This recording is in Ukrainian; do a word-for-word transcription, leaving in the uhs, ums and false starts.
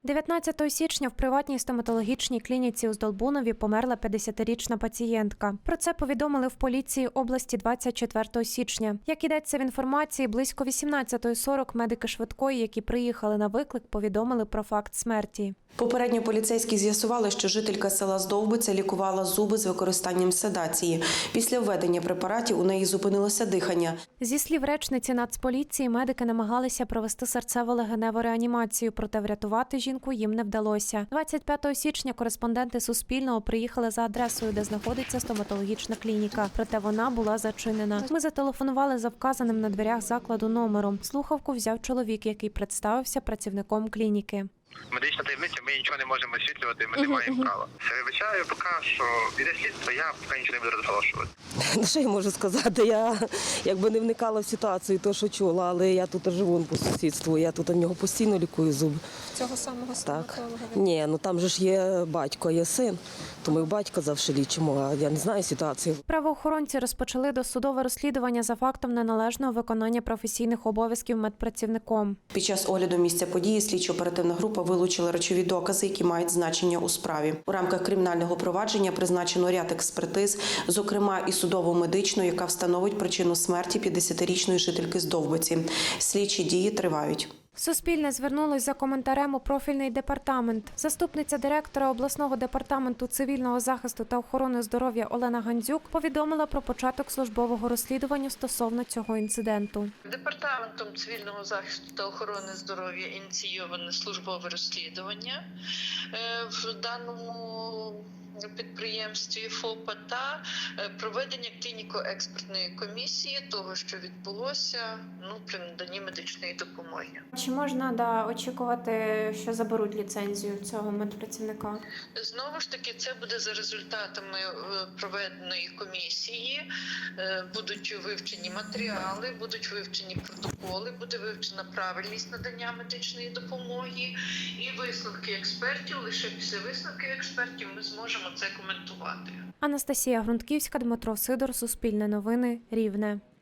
дев'ятнадцятого січня в приватній стоматологічній клініці у Здолбунові померла п'ятдесятирічна пацієнтка. Про це повідомили в поліції області двадцять четвертого січня. Як йдеться в інформації, близько вісімнадцятої сорок медики швидкої, які приїхали на виклик, повідомили про факт смерті. Попередньо поліцейські з'ясували, що жителька села Здовбиця лікувала зуби з використанням седації. Після введення препаратів у неї зупинилося дихання. Зі слів речниці Нацполіції, медики намагалися провести серцево-легеневу реанімацію, проте врятувати жінку їм не вдалося. двадцять п'ятого січня кореспонденти Суспільного приїхали за адресою, де знаходиться стоматологічна клініка, проте вона була зачинена. Ми зателефонували за вказаним на дверях закладу номером. Слухавку взяв чоловік, який представився працівником клініки. Медична таємниця, ми нічого не можемо освітлювати, ми не маємо права. Вибачаю, поки що іде слідство, я поки нічого не буду розголошувати. Ну, що я можу сказати? Я якби не вникала в ситуацію, то що чула, але я тут живу по сусідству, я тут у нього постійно лікую зуби. Цього самого стоматолога? Ні, ну там же ж є батько, є син, то ми батька завжди лічимо, а я не знаю ситуацію. Правоохоронці розпочали досудове розслідування за фактом неналежного виконання професійних обов'язків медпрацівником. Під час огляду місця події слідчо-оперативна група вилучила речові докази, які мають значення у справі. У рамках кримінального провадження призначено ряд експертиз, зокрема і судово-медичну, яка встановить причину смерті п'ятдесятирічної жительки Здовбиці. Слідчі дії тривають. Суспільне звернулось за коментарем у профільний департамент. Заступниця директора обласного департаменту цивільного захисту та охорони здоров'я Олена Гандзюк повідомила про початок службового розслідування стосовно цього інциденту. Департаментом цивільного захисту та охорони здоров'я ініційоване службове розслідування в даному підприємстві ФОПа та проведення клініко-експертної комісії того, що відбулося ну, при наданні медичної допомоги. Чи можна да, очікувати, що заберуть ліцензію цього медпрацівника? Знову ж таки, це буде за результатами проведеної комісії. Будуть вивчені матеріали, будуть вивчені протоколи, буде вивчена правильність надання медичної допомоги і висновки експертів. Лише після висновків експертів ми зможемо це коментувати. Анастасія Грунтківська, Дмитро Сидор, Суспільне новини, Рівне.